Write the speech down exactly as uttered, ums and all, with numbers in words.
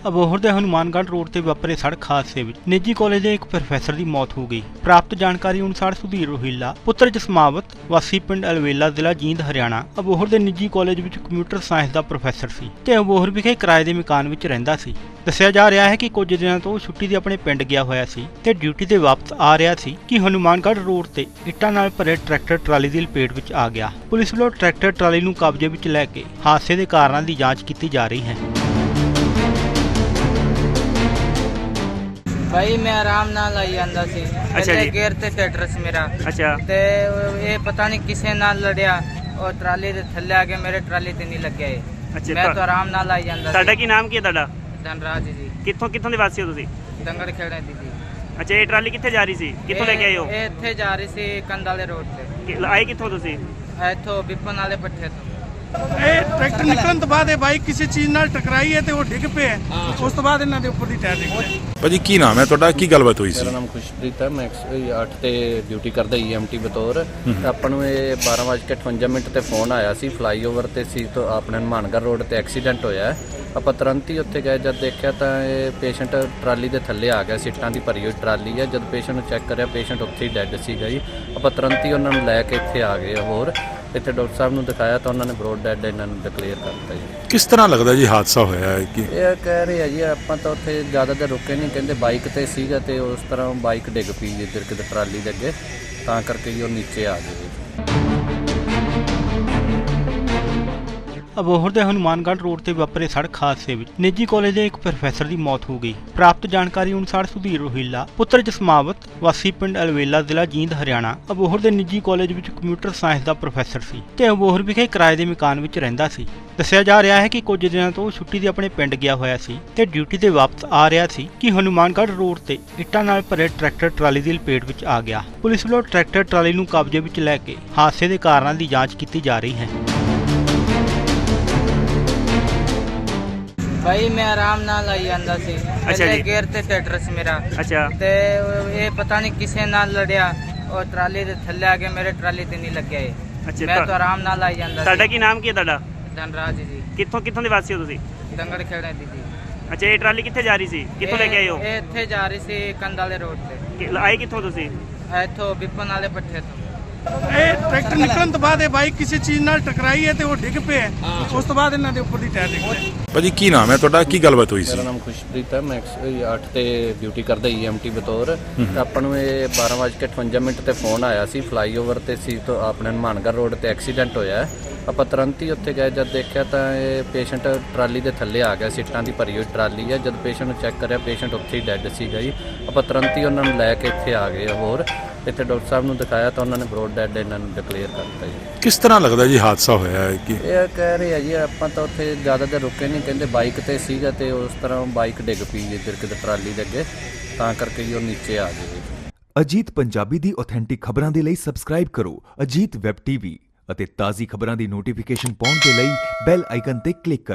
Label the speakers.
Speaker 1: ਅਬੋਹਰ ਦੇ ਹਨੂਮਾਨਗੜ੍ਹ ਰੋਡ ਤੇ ਵਾਪਰੇ ਸੜਕ ਹਾਦਸੇ ਵਿੱਚ ਨਿੱਜੀ ਕਾਲਜ ਦੇ ਇੱਕ ਪ੍ਰੋਫੈਸਰ ਦੀ ਮੌਤ ਹੋ ਗਈ। ਪ੍ਰਾਪਤ ਜਾਣਕਾਰੀ ਅਨੁਸਾਰ ਸੁਧੀਰ ਰੋਹਿਲਾ ਪੁੱਤਰ ਜਸਮਾਵਤ ਵਾਸੀ ਪਿੰਡ ਅਲਵੇਲਾ ਜ਼ਿਲ੍ਹਾ ਜੀਂਦ ਹਰਿਆਣਾ ਅਬੋਹਰ ਦੇ ਨਿੱਜੀ ਕਾਲਜ ਵਿੱਚ ਕੰਪਿਊਟਰ ਸਾਇੰਸ ਦਾ ਪ੍ਰੋਫੈਸਰ ਸੀ ਤੇ ਅਬੋਹਰ ਵਿਖੇ ਕਿਰਾਏ ਦੇ ਮਕਾਨ ਵਿੱਚ ਰਹਿੰਦਾ ਸੀ। ਦੱਸਿਆ ਜਾ ਰਿਹਾ ਹੈ ਕਿ ਕੁਝ ਦਿਨਾਂ ਤੋਂ ਛੁੱਟੀ ਤੇ ਆਪਣੇ ਪਿੰਡ ਗਿਆ ਹੋਇਆ ਸੀ ਤੇ ਡਿਊਟੀ ਤੇ ਵਾਪਸ ਆ ਰਿਹਾ ਸੀ ਕਿ ਹਨੂਮਾਨਗੜ੍ਹ ਰੋਡ ਤੇ ਇੱਟਾਂ ਨਾਲ ਭਰੇ ਟਰੈਕਟਰ ਟਰਾਲੀ ਦੀ ਲਪੇਟ ਵਿੱਚ ਆ ਗਿਆ। ਪੁਲਿਸ ਵੱਲੋਂ ਟਰੈਕਟਰ ਟਰਾਲੀ ਨੂੰ ਕਬਜ਼ੇ ਵਿੱਚ ਲੈ ਕੇ ਹਾਦਸੇ ਦੇ ਕਾਰਨਾਂ ਦੀ ਜਾਂਚ ਕੀਤੀ ਜਾ ਰਹੀ ਹੈ।
Speaker 2: भाई मैं आराम नाल आई ਜਾਂਦਾ ਸੀ।
Speaker 3: ਅੱਛਾ ਜੀ।
Speaker 2: ਗੇਅਰ ਤੇ ਟਰੈਕਟਰ ਸੀ ਮੇਰਾ।
Speaker 3: ਅੱਛਾ
Speaker 2: ਤੇ ਇਹ ਪਤਾ ਨਹੀਂ ਕਿਸੇ ਨਾਲ ਲੜਿਆ ਔਰ ਟਰਾਲੀ ਦੇ ਥੱਲੇ ਆ ਕੇ ਮੇਰੇ ਟਰਾਲੀ ਤੇ ਨਹੀਂ ਲੱਗਿਆ ਇਹ।
Speaker 3: ਅੱਛਾ
Speaker 2: ਮੈਂ ਤਾਂ ਆਰਾਮ ਨਾਲ ਆਈ ਜਾਂਦਾ ਸੀ।
Speaker 3: ਤੁਹਾਡਾ ਕੀ ਨਾਮ ਕੀ ਹੈ ਤੁਹਾਡਾ?
Speaker 2: ਧਨਰਾਜ ਜੀ।
Speaker 3: ਕਿੱਥੋਂ ਕਿੱਥੋਂ ਦੇ ਵਾਸੀ ਹੋ ਤੁਸੀਂ?
Speaker 2: ਦੰਗੜ ਖੇੜੇ ਦੀ ਜੀ।
Speaker 3: ਅੱਛਾ, ਇਹ ਟਰਾਲੀ ਕਿੱਥੇ ਜਾ ਰਹੀ ਸੀ? ਕਿੱਥੋਂ ਲੈ ਕੇ ਆਏ ਹੋ?
Speaker 2: ਇਹ ਇੱਥੇ ਜਾ ਰਹੀ ਸੀ ਕੰਧ ਵਾਲੇ ਰੋਡ ਤੇ।
Speaker 3: ਕਿ- ਆਏ ਕਿੱਥੋਂ ਤੁਸੀਂ?
Speaker 2: ਇੱਥੋਂ ਬਿਪਨ ਵਾਲੇ ਪੱਠੇ ਤੋਂ।
Speaker 4: ਇਹ ਟਰੈਕਟਰ ਨਿਕਲਣ ਤੋਂ ਬਾਅਦ ਇਹ ਬਾਈਕ ਕਿਸੇ ਚੀਜ਼ ਨਾਲ ਟਕਰਾਈ ਹੈ ਤੇ ਉਹ ਡਿੱਗ ਪਿਆ। ਉਸ ਤੋਂ ਬਾਅਦ ਇਹਨਾਂ ਦੇ ਉੱਪਰ ਦੀ ਟਾਇਰ ਡਿੱਗ ਪਿਆ।
Speaker 5: ਭਾਜੀ ਕੀ ਨਾਮ ਹੈ ਤੁਹਾਡਾ, ਕੀ ਗੱਲਬਾਤ ਹੋਈ ਸੀ?
Speaker 6: ਮੇਰਾ ਨਾਮ ਖੁਸ਼ਪ੍ਰੀਤ ਹੈ। ਮੈਂ ਅੱਠ ਤੇ ਡਿਊਟੀ ਕਰਦਾ ਈਐਮਟੀ ਬਤੌਰ। ਤੇ ਆਪਾਂ ਨੂੰ ਇਹ ਬਾਰਾਂ ਵੱਜ ਕੇ ਅਠਵੰਜਾ ਮਿੰਟ ਤੇ ਫੋਨ ਆਇਆ ਸੀ, ਫਲਾਈਓਵਰ ਤੇ ਸੀ ਤੋਂ ਆਪਣੇ ਹਨੂਮਾਨਗੜ੍ਹ ਰੋਡ ਤੇ ਐਕਸੀਡੈਂਟ ਹੋਇਆ ਹੈ। ਆਪਾਂ ਤੁਰੰਤ ਹੀ ਉੱਥੇ ਗਏ। ਜਦ ਦੇਖਿਆ ਤਾਂ ਇਹ ਪੇਸ਼ੈਂਟ ਟਰਾਲੀ ਦੇ ਥੱਲੇ ਆ ਗਿਆ। ਸੀਟਾਂ ਦੀ ਭਰੀ ਹੋਈ ਟਰਾਲੀ ਹੈ। ਜਦ ਪੇਸ਼ੈਂਟ ਨੂੰ ਚੈੱਕ ਕਰਿਆ, ਪੇਸ਼ੈਂਟ ਉੱਥੇ ਹੀ ਡੈੱਡ ਸੀਗਾ ਜੀ। ਆਪਾਂ ਤੁਰੰਤ ਹੀ ਉਹਨਾਂ ਨੂੰ ਲੈ ਕੇ ਇੱਥੇ ਆ ਗਏ। ਹੋਰ ਇੱਥੇ ਡਾਕਟਰ ਸਾਹਿਬ ਨੂੰ ਦਿਖਾਇਆ ਤਾਂ ਉਹਨਾਂ ਨੇ ਬਰੋਡ ਡੈੱਡ ਇਹਨਾਂ ਨੂੰ ਡਿਕਲੇਅਰ ਕਰਤਾ ਜੀ।
Speaker 5: ਕਿਸ ਤਰ੍ਹਾਂ ਲੱਗਦਾ ਜੀ ਹਾਦਸਾ ਹੋਇਆ ਹੈ ਕਿ
Speaker 6: ਇਹ ਕਹਿ ਰਹੇ ਆ ਜੀ ਆਪਾਂ ਤਾਂ ਉੱਥੇ ਜ਼ਿਆਦਾ ਦੇਰ ਰੁਕੇ ਨਹੀਂ, ਕਹਿੰਦੇ ਬਾਈਕ ਤੇ ਸੀਗਾ ਤੇ ਉਸ ਤਰ੍ਹਾਂ ਬਾਈਕ ਡਿੱਗ ਪਈ ਇੱਧਰ ਕਿਤੇ ਟਰਾਲੀ ਦੇ ਅੱਗੇ, ਤਾਂ ਕਰਕੇ ਜੀ ਉਹ ਨੀਚੇ ਆ ਗਏ।
Speaker 1: ਅਬੋਹਰ ਦੇ ਹਨੂਮਾਨਗੜ੍ਹ ਰੋਡ ਤੇ ਵਾਪਰੇ ਸੜਕ ਹਾਦਸੇ ਵਿੱਚ ਨਿੱਜੀ ਕਾਲਜ ਦੇ ਇੱਕ ਪ੍ਰੋਫੈਸਰ ਦੀ ਮੌਤ ਹੋ ਗਈ। ਪ੍ਰਾਪਤ ਜਾਣਕਾਰੀ ਅਨੁਸਾਰ ਸੁਧੀਰ ਰੋਹਿਲਾ ਪੁੱਤਰ ਜਸਮਾਵਤ ਵਾਸੀ ਪਿੰਡ ਅਲਵੇਲਾ ਜ਼ਿਲ੍ਹਾ ਜੀਂਦ ਹਰਿਆਣਾ ਅਬੋਹਰ ਦੇ ਨਿੱਜੀ ਕਾਲਜ ਵਿੱਚ ਕੰਪਿਊਟਰ ਸਾਇੰਸ ਦਾ ਪ੍ਰੋਫੈਸਰ ਸੀ ਤੇ ਅਬੋਹਰ ਵਿਖੇ ਕਿਰਾਏ ਦੇ ਮਕਾਨ ਵਿੱਚ ਰਹਿੰਦਾ ਸੀ। ਦੱਸਿਆ ਜਾ ਰਿਹਾ ਹੈ ਕਿ ਕੁਝ ਦਿਨਾਂ ਤੋਂ ਛੁੱਟੀ ਤੇ ਆਪਣੇ ਪਿੰਡ ਗਿਆ ਹੋਇਆ ਸੀ ਤੇ ਡਿਊਟੀ ਤੇ ਵਾਪਸ ਆ ਰਿਹਾ ਸੀ ਕਿ ਹਨੂਮਾਨਗੜ੍ਹ ਰੋਡ ਤੇ ਇੱਟਾਂ ਨਾਲ ਭਰੇ ਟਰੈਕਟਰ ਟਰਾਲੀ ਦੀ ਲਪੇਟ ਵਿੱਚ ਆ ਗਿਆ। ਪੁਲਿਸ ਵੱਲੋਂ ਟਰੈਕਟਰ ਟਰਾਲੀ ਨੂੰ ਕਬਜ਼ੇ ਵਿੱਚ ਲੈ ਕੇ ਹਾਦਸੇ ਦੇ ਕਾਰਨਾਂ ਦੀ ਜਾਂਚ ਕੀਤੀ ਜਾ ਰਹੀ ਹੈ।
Speaker 2: ਭਾਈ ਮੈਂ ਆਰਾਮ ਨਾਲ ਆਈ ਜਾਂਦਾ ਸੀ।
Speaker 3: ਅੱਛਾ ਜੀ।
Speaker 2: ਗੇਅਰ ਤੇ ਟਰੈਕਟਰ ਸੀ ਮੇਰਾ।
Speaker 3: ਅੱਛਾ
Speaker 2: ਤੇ ਇਹ ਪਤਾ ਨਹੀਂ ਕਿਸੇ ਨਾਲ ਲੜਿਆ ਔਰ ਟਰਾਲੀ ਦੇ ਥੱਲੇ ਆ ਕੇ ਮੇਰੇ ਟਰਾਲੀ ਤੇ ਨਹੀਂ ਲੱਗਿਆ ਇਹ।
Speaker 3: ਅੱਛਾ,
Speaker 2: ਮੈਂ
Speaker 3: ਤੁਹਾ-
Speaker 2: ਤਾਂ ਆਰਾਮ ਨਾਲ ਆਈ ਜਾਂਦਾ
Speaker 3: ਤੁਹਾਡਾ
Speaker 2: ਸੀ।
Speaker 3: ਕੀ ਨਾਮ ਕੀ ਹੈ ਤੁਹਾਡਾ?
Speaker 2: ਧਨਰਾਜ ਜੀ।
Speaker 3: ਕਿੱਥੋਂ ਕਿੱਥੋਂ ਦੇ ਵਾਸੀ ਹੋ ਤੁਸੀਂ?
Speaker 2: ਦੰਗੜ ਖੇੜੇ ਦੀ ਜੀ।
Speaker 3: ਅੱਛਾ, ਇਹ ਟਰਾਲੀ ਕਿੱਥੇ ਜਾ ਰਹੀ ਸੀ? ਕਿੱਥੋਂ ਲੈ ਕੇ ਆਏ ਹੋ?
Speaker 2: ਇਹ ਇੱਥੇ ਜਾ ਰਹੀ ਸੀ ਕੰਧ ਵਾਲੇ ਰੋਡ ਤੇ।
Speaker 3: ਕਿ- ਆਏ ਕਿੱਥੋਂ ਤੁਸੀਂ?
Speaker 2: ਇੱਥੋਂ ਬਿਪਨ ਵਾਲੇ ਪੱਠੇ ਤੋਂ।
Speaker 4: ਇਹ ਟਰੈਕਟਰ ਨਿਕਲਣ ਤੋਂ ਬਾਅਦ ਇਹ ਬਾਈਕ ਕਿਸੇ ਚੀਜ਼ ਨਾਲ ਟਕਰਾਈ ਹੈ ਤੇ ਉਹ ਡਿੱਗ ਪਿਆ। ਉਸ ਤੋਂ ਬਾਅਦ ਇਹਨਾਂ ਦੇ ਉੱਪਰ ਦੀ ਟਾਇਰ ਡਿੱਗ ਪਿਆ।
Speaker 5: ਭਾਜੀ ਕੀ ਨਾਮ ਹੈ ਤੁਹਾਡਾ, ਕੀ ਗੱਲਬਾਤ ਹੋਈ ਸੀ?
Speaker 6: ਮੇਰਾ ਨਾਮ ਖੁਸ਼ਪ੍ਰੀਤ ਹੈ। ਮੈਂ ਅੱਠ ਤੇ ਡਿਊਟੀ ਕਰਦਾ ਈਐਮਟੀ ਬਤੌਰ। ਤੇ ਆਪਾਂ ਨੂੰ ਇਹ ਬਾਰਾਂ ਵੱਜ ਕੇ ਅਠਵੰਜਾ ਮਿੰਟ ਤੇ ਫੋਨ ਆਇਆ ਸੀ, ਫਲਾਈਓਵਰ ਤੇ ਸੀ ਤੋਂ ਆਪਣੇ ਹਨੂਮਾਨਗੜ੍ਹ ਰੋਡ ਤੇ ਐਕਸੀਡੈਂਟ ਹੋਇਆ ਹੈ। ਆਪਾਂ ਤੁਰੰਤ ਹੀ ਉੱਥੇ ਗਏ। ਜਦ ਦੇਖਿਆ ਤਾਂ ਇਹ ਪੇਸ਼ੈਂਟ ਟਰਾਲੀ ਦੇ ਥੱਲੇ ਆ ਗਿਆ। ਸੀਟਾਂ ਦੀ ਭਰੀ ਹੋਈ ਟਰਾਲੀ ਹੈ। ਜਦ ਪੇਸ਼ੈਂਟ ਨੂੰ ਚੈੱਕ ਕਰਿਆ, ਪੇਸ਼ੈਂਟ ਉੱਥੇ ਹੀ ਡੈੱਡ ਸੀਗਾ ਜੀ। ਆਪਾਂ ਤੁਰੰਤ ਹੀ ਉਹਨਾਂ ਨੂੰ ਲੈ ਕੇ ਇੱਥੇ ਆ ਗਏ। ਹੋਰ ਇੱਥੇ ਡਾਕਟਰ ਸਾਹਿਬ ਨੂੰ ਦਿਖਾਇਆ ਤਾਂ ਉਹਨਾਂ ਨੇ ਬਰੋਡ ਡੈੱਡ ਇਹਨਾਂ ਨੂੰ ਡਿਕਲੇਅਰ ਕਰਤਾ ਜੀ।
Speaker 5: ਕਿਸ ਤਰ੍ਹਾਂ ਲੱਗਦਾ ਜੀ ਹਾਦਸਾ ਹੋਇਆ ਹੈ ਕਿ
Speaker 6: ਇਹ ਕਹਿ ਰਹੇ ਆ ਜੀ ਆਪਾਂ ਤਾਂ ਉੱਥੇ ਜ਼ਿਆਦਾ ਦੇਰ ਰੁਕੇ ਨਹੀਂ, ਕਹਿੰਦੇ ਬਾਈਕ ਤੇ ਸੀਗਾ ਤੇ ਉਸ ਤਰ੍ਹਾਂ ਬਾਈਕ ਡਿੱਗ ਪਈ ਇੱਧਰ ਕਿਤੇ ਟਰਾਲੀ ਦੇ ਅੱਗੇ, ਤਾਂ ਕਰਕੇ ਜੀ ਉਹ ਨੀਚੇ ਆ ਗਏ।
Speaker 7: ਅਜੀਤ ਪੰਜਾਬੀ ਦੀ ਆਥੈਂਟਿਕ ਖਬਰਾਂ ਦੇ ਲਈ ਸਬਸਕ੍ਰਾਈਬ ਕਰੋ ਅਜੀਤ ਵੈਬ ਟੀਵੀ ਅਤੇ ਤਾਜ਼ੀ ਖਬਰਾਂ ਦੀ ਨੋਟੀਫਿਕੇਸ਼ਨ ਪਾਉਣ ਦੇ ਲਈ ਬੈਲ ਆਈਕਨ ਤੇ ਕਲਿੱਕ ਕਰੋ।